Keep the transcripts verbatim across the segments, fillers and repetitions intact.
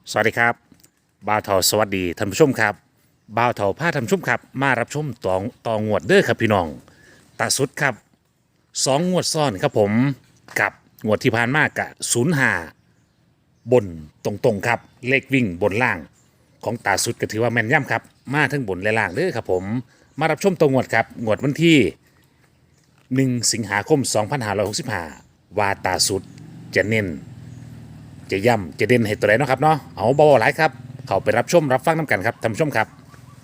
สวัสดีครับบ่าวเถาสวัสดีท่านผู้ชมครับบ่าวเถาพาท่านผู้ชมครับมารับชมตองตองงวดเด้อครับพี่น้องตาสุดครับสองงวดซ้อนครับผมกับงวดที่ผ่านมากกะศูนย์ห้าบนตรงๆครับเลขวิ่งบนล่างของตาสุดก็ถือว่าแม่นย่ำครับมาทั้งบนและล่างเด้อครับผมมารับชมตองงวดครับงวดวันที่หนึ่งสิงหาคมสองพันห้าร้อยหกสิบห้าวาตาสุดจะเน้น จะย่ำจะเด่นให้ตัวไหนเนาะครับเนาะเอาเบาๆหลายครับเขาไปรับชมรับฟังน้ำกันครับท่านผู้ชมครับ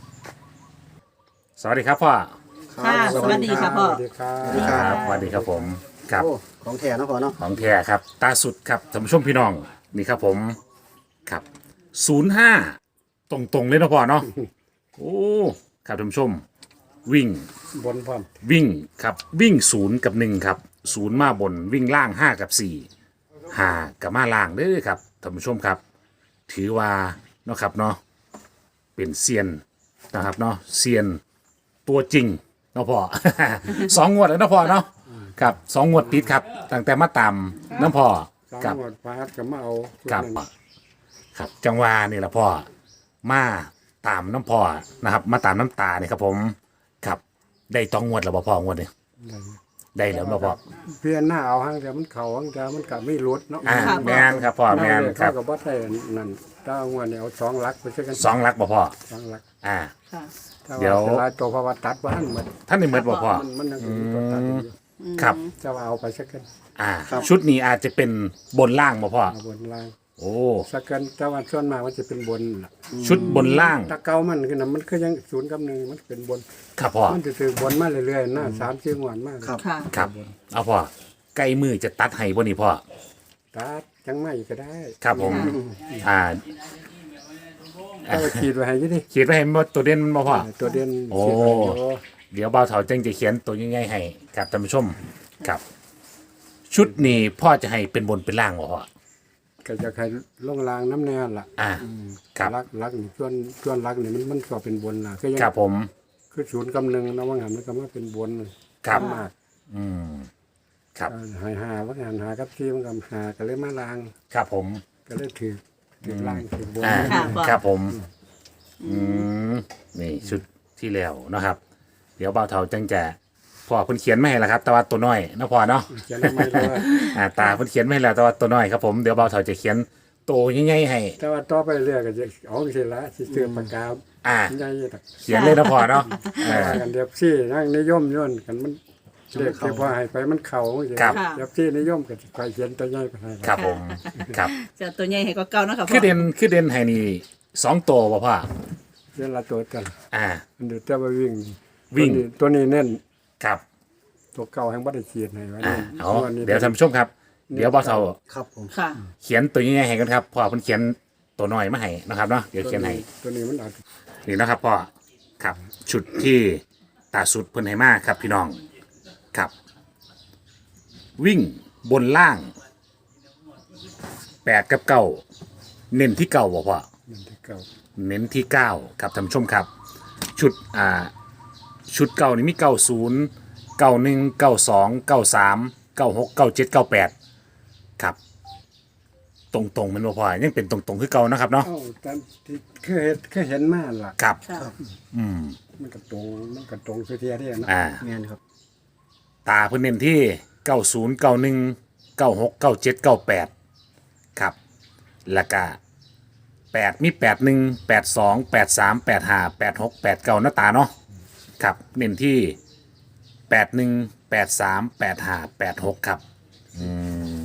สวัสดีครับพ่อค่ะสวัสดีค่ะพ่อสวัสดีครับสวัสดีครับสวัสดีครับผมครับโอ้ของแท้เนาะพ่อเนาะของแท้ครับตาสุดครับท่านผู้ชมพี่น้องนี่ครับผมครับศูนย์ห้าตรงๆเลยเนาะพ่อเนาะโอ้ครับท่านผู้ชมวิ่งบนพร้อมวิ่งครับวิ่งศูนย์กับหนึ่งครับศูนย์มาบนวิ่งล่างห้ากับสี่ห้ากับมาล่างเด้อครับท่านผู้ชมครับ ถือว่าเนาะครับเนาะเป็นเซียนนะครับเนาะเซียนตัวจริงเนาะพ่อ สองงวดแล้วเนาะพ่อเนาะครับสองงวดติดครับตั้งแต่มาตามน้ำพ่อสามกับหมดฟาดก็มาเอากับชุดนั้นครับจังหวะนี่แหละพ่อมาตามน้ำพ่อนะครับ มาตามน้ำตาเนี่ยครับผมครับได้ต้องงวดแล้วบ่พ่องวดเนี่ยได้แล้วบ่พ่อเพียนหน้าเอาห้างแต่มันเข่าห้างแต่มันก็ไม่รุดเนาะอ่าแมนครับพ่อแมนคเข้ารับกับบ่ได้นั่นถ้างวดเนี่ยเอาสองหลักไปช่วยกันสองหลักบ่พ่อสองหลักอ่าค่ะถ้าเดี๋ยวว่าจะลายตัวเพราะว่าตัดบ้านหมดท่านในเมื่อบ่พ่อมันมันยังมีตัวตัดอยู่ครับจะว่าเอาไปสักกันอ่าชุดนี้อาจจะเป็นบนล่างบ่พ่อเอาบนล่างโอ้สักกันแต่ว่าส่วนมากมันจะเป็นบนล่ะชุดบนล่างถ้าเก่ามันคือน่ะมันคือยังศูนย์กับหนึ่งมันเป็นบนครับพ่อมันจะถือบนมาเรื่อยๆหน้าสามสี่งวดมากค่ะครับเอาพ่อใกล้มือจะตัดให้บ่นี่พ่อตัดจังไม่ก็ได้ครับผม อ่าเอาไปขีดไว้ให้อยี่ดิเขียนไว้ให้หมดตัวเด่นมันบ่พ่อตัวเด่นโอ้ขีดไว้อยู่เดี๋ยวเบาเถาจึงจะเขียนตัวง่ายๆให้กับท่านผู้ชมครับ ชุดนี้พ่อจะให้เป็นบนเป็นล่างบ่พ่อก็จะใครลงรางน้ำแน่ล่ะอ่า ครับรักรักนี่ส่วนส่วนรักนี่มันมันก็เป็นบนล่ะคือยังครับผมคือศูนย์กำหนึ่งนะว่างานมันก็มาเป็นบนครับมากอืมครับเออหายหาว่างานหากับที่มันก็หาก็เลยมาลางครับผมก็เลยถือถือล่างถือบนอ่าค่ะพ่อครับผม อืมนี่ชุดที่แล้วนะครับ เดี๋ยวเบาเถาจึงจะพ่อเพิ่นเขียนไม่ให้แล้วครับ แต่ว่าตัวน้อยเนาะพ่อเนาะเขียนทำไมเลยอ่าตาเพิ่นเขียนไม่ให้แล้วแต่ว่าตัวน้อยครับผมเดี๋ยวเบาเถาจะเขียนตัวใหญ่ๆให้แต่ว่าต่อไปเรื่อยก็จะเอาเสร็จละสิเสื้อปากกาอ่าใหญ่ตักเขียนเลยนะพ่อเนาะเออว่ากันเดียบซี่นั่งนิยมย่นกันมันเรียกที่ว่าให้ไปมันเข่าสิครับเดียบซี่นิยมก็สิคอยเขียนตัวใหญ่ไปให้ครับผมครับจะตัวใหญ่ให้ก็เก่าเนาะค่ะพ่คือ อเด่นคือเด่นให้นี่สองตัวบ่พ่อเรียนละตัวกันอ่ามันเดี๋ยวจะไปวิ่งวิ่งตัวนี้ตัวนี้เน้นครับตัวเก่าแห่งบัตรเขียนให้ไว้อ่านี่เอาตัวนี้เดี๋ยวท่านผู้ชมครับ เดี๋ยวเบาเถาครับผมค่ะเขียนตัวใหญ่ๆให้กันครับพ่อเพิ่นเขียนตัวน้อยมาให้นะครับเนาะเดี๋ยวเขียนให้ตัวนี้มันอาจนี่นะครับพ่อครับชุดที่ตาสุดเพิ่นให้มาครับพี่น้องครับ วิ่งบนล่างแปดกับเก้าเน้นที่เก้าบ่พ่อมันที่เก่าเน้นที่เก้าครับท่านผู้ชมครับ ชุดอ่าชุดเก้านี่มีเก้าศูนย์เก้าหนึ่งเก้าสองเก้าสามเก้าหกเก้าเจ็ดเก้าแปดครับ ตรงๆมันบ่พ่อยังเป็นตรงๆคือเก่านะครับเนาะเอ้าแต่ที่เคยเห็นเคยเห็นมาล่ะครับค่ะอืมมันก็ตรงมันก็ตรงสุดเทียเดียนะอ่าเงี้ยครับตาเพิ่นเน้นที่เก้าศูนย์เก้าหนึ่งเก้าหกเก้าเจ็ดเก้าแปดครับแล้วก็แปดมีแปดหนึ่งแปดสองแปดสามแปดห้าแปดหกแปดเก้าหน้าตาเนาะครับเน้นที่แปดหนึ่งแปดสามแปดห้าแปดหกครับอืม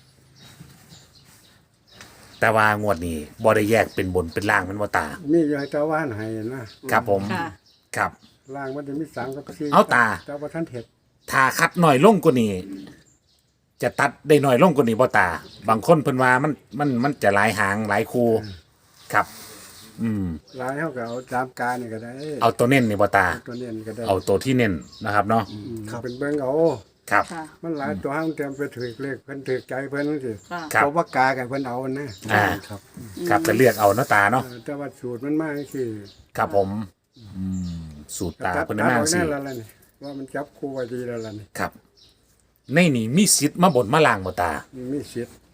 แต่ว่างวดนี้บ่ได้แยกเป็นบนเป็นล่างมันบ่ตามีอยู่ให้ตาว่านให้นะครับผมค่ะครับล่างมันจะมีสามกับสี่เอาตาแต่ว่าท่านเห็ดถ้าคัดหน่อยลงกว่านี้จะตัดได้หน่อยลงกว่านี้บ่ตา บางคนเพิ่นว่ามันมันมันจะหลายหางหลายคูครับ อืมลายเขาก็เอาตามการนี่ก็ได้เอาตัวเน้นนี่บ่ตาตัวเนี้นี่ก็ได้เอาตัวที่เน้นนะครับเนาะอืมเป็นเบิ้งเอาครับค่ะมันหลายตัวห้างเตรียมไปถือเลขเพิ่นถือใจเพิ่นสิค่ะครับตัวว่ากากับเพิ่นเอานะอ่าครับครับจะเลือกเอาเนาะตาเนาะเออแต่ว่าสูตรมันมากคือครับผมอืมสูตรตาเพิ่นมาตัดสิออกแน่แล้วล่ะนี่ว่ามันจับคู่ไว้ดีแล้วล่ะนี่ครับ ในนี่มีสิทธิ์มาบนมาล่างบ่ตามันมีสิทธิ์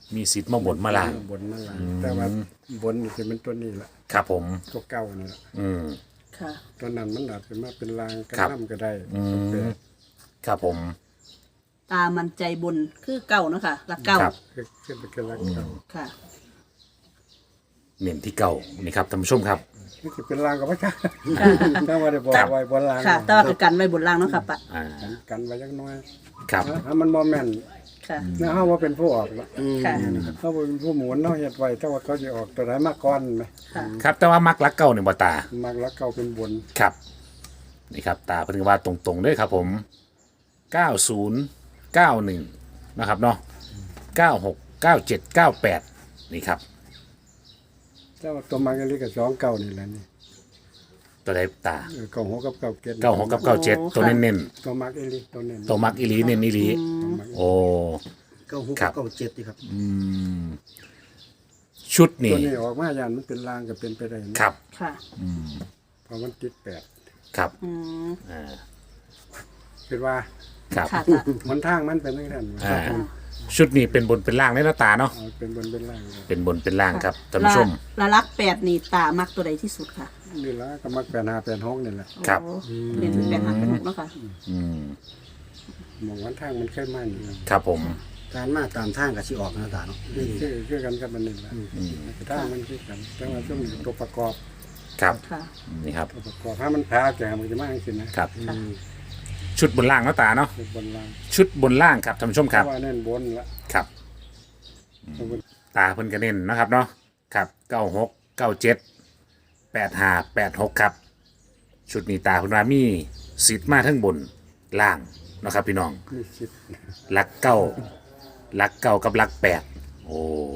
มีสิทธิ์มาบนมาล่างบนมาล่างแต่ว่าบนนี่สิมันตัวนี้ละครับผมตัวเก่านี่ละอืมค่ะตัวนั้นมันอาจจะมาเป็นลางกระครับน้ำก็ได้อืมแปดครับผมตามันใจบนคือเก่าเนาะค่ะหลักเก่าครับคือคือเป็นลักเก่าค่ะเน้นที่เก่านี่ครับท่านผู้ชมครับนี่คือเป็นลางกับพระเจ้าถ้าว่าได้บอกครับไว้บนลางค่ะ แต่ว่าคือกันไว้บนล่างเนาะค่ะปะอ่ากันกันไว้จักหน้อยครับถ้ามันบ่แม่นค่ะนะเฮาว่าเป็นผู้ออกละค่ะเฮาเป็นผู้หมุนเฮาเฮ็ดไว้แต่ว่าเขาสิออกตัวไหนมาก่อนไหมค่ะครับแต่ว่ามักลักเก่าเนี่ยบ่ตามักลักเก่าเป็นบนครับนี่ครับตาเพิ่นว่าตรงๆเลยครับผมเก้าศูนย์ เก้าหนึ่งนะครับเนาะเก้าหก เก้าเจ็ด เก้าแปดนี่ครับแต่ว่าตัวมักอันนี้ก็สองเก่านี่แหละนี่ตัวใดตาเออเก้าหกกับเก้าเจ็ดเก้าหกกับเก้าเจ็ดตัวเน้นตัวมักอีหลีตัวเน้นๆตัวมักอีหลีเน้นอีหลีตัวมักโอ้เก้าหกครับเก้าเจ็ดดีครับอืมชุดตันี้วนี้ออกมาย่านมันเป็นลางก็เป็นไปได้นะครับค่ะเพราะมันติดแปดครับอืมอ่าคือว่าครับค่ะตามันทางมันเป็นจังซั่นอ่าชุดนี้เป็นบนเป็นล่างเลยนะตาเนาะเอาเป็นบนเป็นล่างเลยเป็นบนเป็นล่างครับท่านผู้ชมละละลักแปดนี่ตามักตัวใดที่สุดค่ะนี่ละก็มักแปดห้าแปดหกนี่แหละครับโอ้เรียนแปดหักเป็นหกเนาะค่ะอืมมองวันทางมันเคยมานี่ครับผมการมาตามทางกับชิออกหน้าตาเนาะนี่คือคือกันกับมันนี่แหละทางมันคือกันแต่ว่าต้องมีตัวประกอบครับค่ะนี่ครับตัวประกอบถ้ามันพาแก่มันจะมาจังซี่นะครับชุดบนล่างนะตาเนาะคือบนล่างชุดบนล่างครับท่านผู้ชมครับเพาะว่าเน้นบนละครับตัวบนตาเพิ่นก็เน้นนะครับเนาะครับเก้าหกเก้าเจ็ดแปดห้าแปดหกครับ ชุดนี้ตาเพิ่นว่ามีสิทธิ์มาทั้งบนล่างเนาะครับพี่น้องมีสิบหลักเก้าหลักเก้ากับหลักแปดโอ้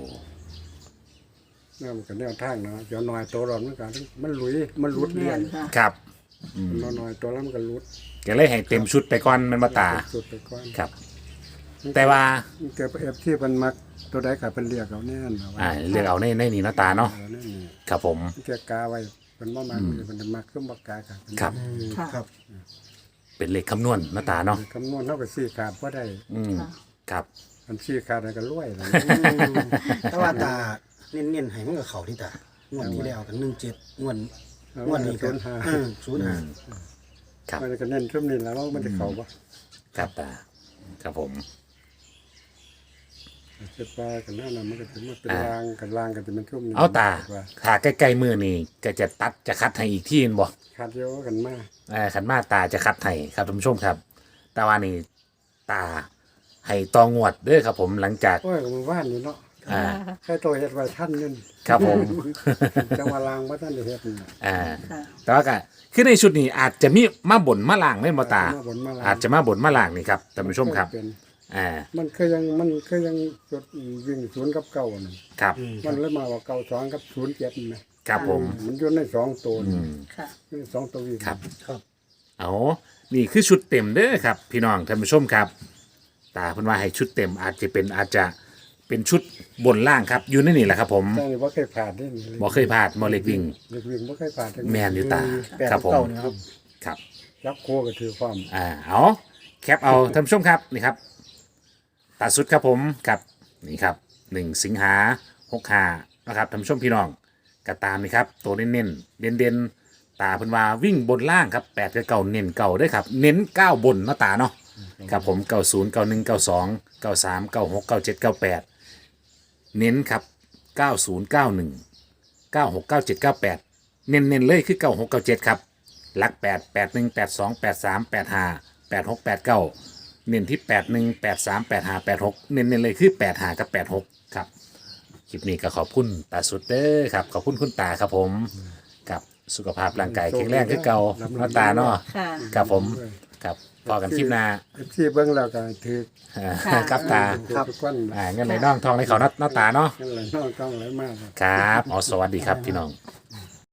เนี่ยมันก็แนวทางเนาะเดี๋ยวหน่อยตัวร้อนมันก็มันหลุยมันหลุดแม่เรื่อยนค่ะครับมันน้อยตัวแล้วมันก็หลุดก็เลยให้เต็มชุดไปก่อนแมันมาตาสุดไปก่อนครับ แต่ว่าเกิดเอฟที่มันมักตัวใดก็เป็นเรียกเอาแน่นเอาไว้อ่าเลือกเอาในในนี้เนาะตาเนาะเอาแน่นนี่ครับผมเกี่ยกาไว้เป็นบ่มักมันจะมักขึ้นบ่กากันครับค่ะครับเป็นเลขคำนวณเนาะตาเนาะคำนวณเท่ากับสี่ขาดบ่ได้อืมค่ะครับมันสี่ขาดมันก็รวยแล้วแต่ว่าตาเน้นๆให้มันกับเขาที่ตางวดที่แล้วกันหนึ่งเจ็ดงวดงวดนี้ศูกันนย์ห้าศูนย์ห้าครับมันก็เน้นช่วงนี้แล้วมันจะเข้าบ่ครับตาครับผมเจ็บปลากันนั่นน่ะมันก็จะมาเป็นรางกันรางกันจะเป็นช่วงนี้เอาตาว่าถ้าใกล้ๆมือนี่ก็จะตัดจะคัดให้อีกที่นึงบ่ขาดเยอะกันมากเอ่อขันมาตาจะคัดให้ครับท่านผู้ชมครับ แต่ว่านี่ตาให้ตองวดเด้อครับผมหลังจากโอ้ยก็มันว่านนี่เนาะอ่าแค่ตัวเฮ็ดไว้ท่านนึงครับผมจังว่าลางบ่ทันได้เฮ็ดนี่อ่าค่ะแต่ว่าก็คือในชุดนี้อาจจะมีมาบ่นมาล่างเล่นบ่ตามาบนมาลางอาจจะมาบ่นมาล่างนี่ครับท่านผู้ชมครับเป็นอ่ามันเคยยังมันเคยยังจดวิ่งศูนย์กับเก้านั่นครับมันเลยมาว่าเก้าสองกับศูนย์เจ็ดนี่ไหมครับผมมันอยู่ในสองตัวอืนี่มค่ะในสองตัววิ่งครับครับเอานี่คือชุดเต็มเด้อครับ พี่น้องท่านผู้ชมครับ ตาเพิ่นว่าให้ชุดเต็มอาจจะเป็นอาจจะเป็นชุดบนล่างครับ อยู่ในนี่แหละครับ ผมแต่นี่บ่เคยผ่านนี่นี่บ่เคยพลาดบ่เล็กวิ่งเล็กวิ่งบ่เคยผ่านทั้งแมนอยู่ตาแปดครับผมเก้าเนี่ยครับครับรับโคก็ถือความอ่าเอาแคปเอาท่านผู้ชมครับนี่ครับตาสุดครับผมกับนี่ครับหนึ่งสิงหาหกหานะครับท่านผู้ชมพี่น้องก็ตามนี่ครับตัวเน้นเน้นเด่นเด่นๆตาเพิ่นว่าวิ่งบนล่างครับแปดกับเก่าเน้นเก่าด้วยครับเน้นเก้าบนเนาะตาเนาะครับผมเก้าศูนย์เก้าหนึ่งเก้าสองเก้าสามเก้าหกเก้าเจ็ดเก้าแปดเน้นครับเก้าศูนย์เก้าหนึ่งเก้าหกเก้าเจ็ดเก้าแปดเน้นเน้นๆเลยคือเก้าหกเก้าเจ็ดครับหลักแปดแปดหนึ่งแปดสองแปดสามแปดห้าแปดหกแปดเก้าเน้นที่แปดหนึ่งแปดสามแปดห้าแปดหกเน้นเน้นๆเลยคือแปดห้ากับแปดหกครับคลิปนี้ก็ขอบคุณตาสุดเด้อครับขอบคุณคุณตาครับผมกับสุขภาพร่างกายแข็งแรงคือเก่าเนาะตาเนาะค่ะครับผมครับพอกันคลิปหน้าที่เบิ่งแล้วก็ถืออ่าค่ะครับตาครับทุกคนอ่าเงินไหลน่องทองในเขาเนาะเนาะตาเนาะนั่นแหละน้องต้องไหลมากครับอ๋อสวัสดีครับพี่น้องค